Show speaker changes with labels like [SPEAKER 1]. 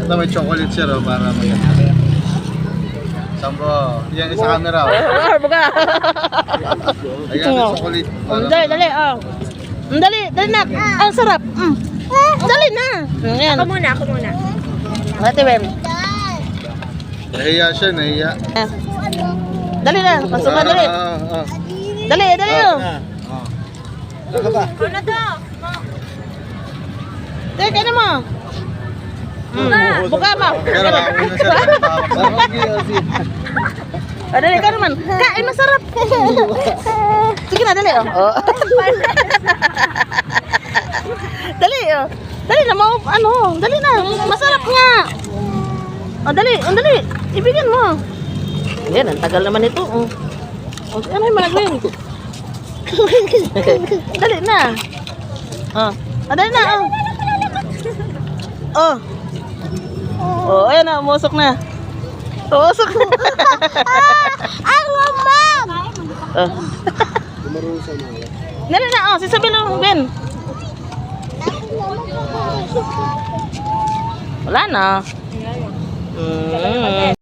[SPEAKER 1] Ito may chocolate siya ro para maganda. Sambo, yan sa camera.
[SPEAKER 2] Baga.
[SPEAKER 1] Ayan yung chocolate.
[SPEAKER 2] Dali, dali. Dali, dali na. Ang sarap. Dali na. Ayan.
[SPEAKER 3] Ako muna.
[SPEAKER 2] Ate Wem.
[SPEAKER 1] Nahiya siya, nahiya.
[SPEAKER 2] Dali na. Pasok na, dali. Dali, dali.
[SPEAKER 1] Ano ba?
[SPEAKER 3] Ano to?
[SPEAKER 2] Dali, kain mo. Buka mo.
[SPEAKER 1] Pero ako na siya.
[SPEAKER 2] Dali, kain naman. Kain, masarap. Sige na, dali. Dali, dali na, dali na. Masarap nga. Dali, dali. Ibigin mo. Yan, ang tagal naman ito. Ano yung malagwin? Dali na. Dali na. Ayan na, umusok na. Umusok na. Ang mamam! Dali na, sisabihin lang, Ben. Wala na.